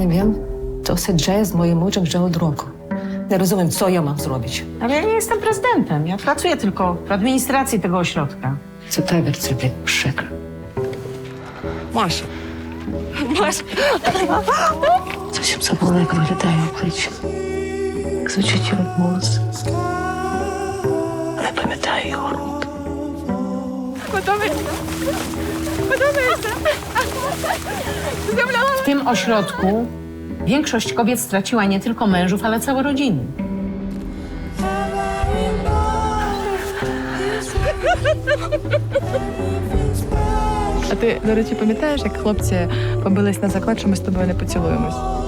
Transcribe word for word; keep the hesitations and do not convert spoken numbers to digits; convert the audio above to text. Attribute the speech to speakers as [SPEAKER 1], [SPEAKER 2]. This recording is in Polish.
[SPEAKER 1] не wiem. To się dzieje z moim mężem już od roku. Nie rozumiem, co ja mam zrobić.
[SPEAKER 2] Ale ja nie jestem prezydentem. Ja pracuję tylko w administracji tego ośrodka.
[SPEAKER 1] Це табір, це, блядь, пшик.
[SPEAKER 2] Маша. Маша.
[SPEAKER 1] Зовсім забула, як виглядає обличчя. Як звучить його голос. Не пам'ятаю його рук.
[SPEAKER 2] W tym ośrodku większość kobiet straciła nie tylko mężów, ale całe rodziny.
[SPEAKER 3] А ти, до речі, пам'ятаєш, як хлопці побились на заклад, що ми з тобою не поцілуємось?